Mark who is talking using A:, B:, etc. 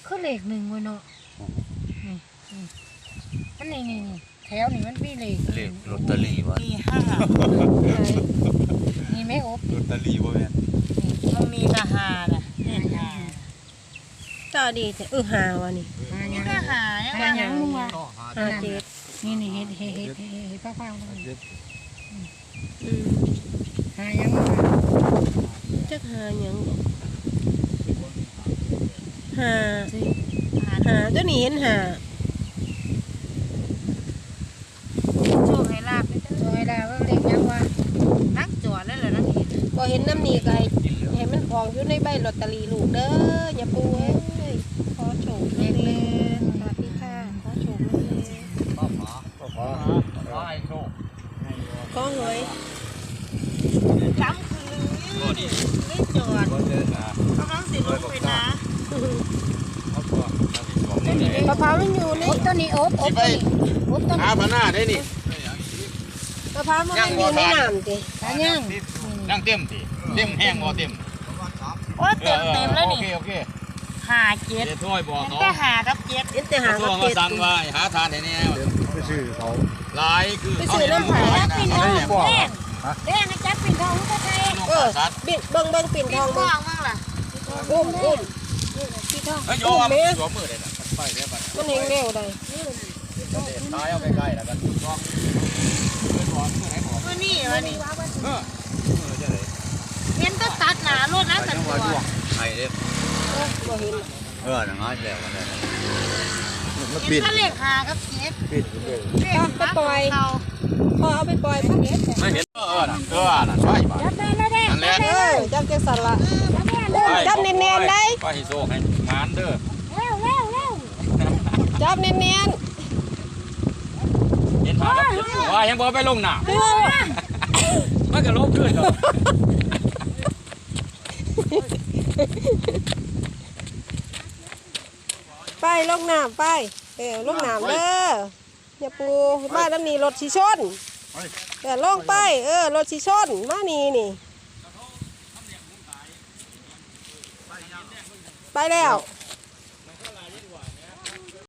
A: คือเลขหนึ่งเว้ยเนาะนี่มันนี่แถวนี่มันมีเลข
B: เลขลอตเตอรี่วะ
C: มีห้า
A: นี่ไม่อบ
B: ลอตเตอรี่บ่แม่น
C: มันมีทหารน่ะเลขห้า
D: ต่อดีแต่หาวะนี่
C: นี่ก็หายัง
A: หา
C: ไง
A: ยังมึงวะ
D: หาเจ็ด
A: นี่เฮ็ดเฝ้าๆนี่
D: อืม
A: หายังมึงวะ
D: จักหาหยังบ่หาก็นี่เห็นหา
C: โชคให้ลาบ
A: โอ้ยแล้วเลขยังวะ
C: นักจอดแล้วเหรอนักเห็น
D: บ่เห็นน้ำนี่ก็ให้มันออกอยู่ในใบลอตเตอรี่ลูกเด้ออย่าปูเอ้ยขอโชค
A: เลขห
D: เล
A: นึ่
D: ย
A: ง
D: สวัสดีค่ะขอโชคเลย
B: ขอให้โชค
D: ขอหวย
C: จำคือไม่จอด
B: บ่เจอนะ
C: กำลังสิลงไปนะ
B: เอาตัวเอาสิบอกนี่
D: มะพร้าวมันอยู่ใน
A: อบตัวนี้อบตัวนี้อบตัว
E: หา
A: นี้
E: พน้าได้นี่
D: มะพร้าวมันอยู่ในน้ำติ
A: หายัง
E: นั่งเต็มสิเต็มแห้งบ่เต็ม
C: โอ้เต็มแล้วนี่
E: โอเค
C: หาเจ็ด
E: เดี๋ยวถ้วยบอก
C: มัน
E: เขา
C: ก็หากับเจ็ด
D: เห็นแต่หา
E: เขา
D: กับ
E: มา
D: เจ็ด
E: สั่งว่าหาทานให้แน่
B: ไปซื้อเขา
E: หลายคือ
D: ไปซื้อน้ำผัก
A: จับปิ่นทองแดงแดงจับปิ่นทองก็ใช่
D: เออบิ่งเบิ่งปิ่นทอง
C: ม
D: มา
C: องมั่งล่ะ
D: อุ้ม
A: ปิ่นทอง
E: เฮ้ยโยมสวมมือได้น่ะไปเด้อบัด
D: มันเห็นเร็วได้
E: ตายเอาใกล้ๆแล้วกันต้องเพิ่นบอกมือไหนบอก
C: ตัวนี้วะนี่
E: มือจะได้
C: เห็นก็ตัดหนารถนะตัดตัว
E: ไอ้เด้อ
D: บ่เห็น
E: นั่งหาแล้วกันได้
C: เห็นก็เลขหากับเจ็ดเลขเขา
D: พอเอาไปปล่อยพักเด็ด
E: ไม่เห็นน่ะใช่ป่ะ
A: จับได้แล้วแดง
E: นั่นแหละ
D: จับจังสันละจับเนียนๆได้
E: ไปให้โชคให้งานเด้อ
A: เร็ว
D: จับเนียน
E: เห็นหาครับว่ายังบ่ไปลงน้ำ
D: ๆ
E: มันก็ลบขึ้นดอก
D: ไปลงน้ำไปลงน้ำเด้ออย่าปูมาน้ำนี่รถชีชนลงไปรถชีชนมานี่ไปแล้ว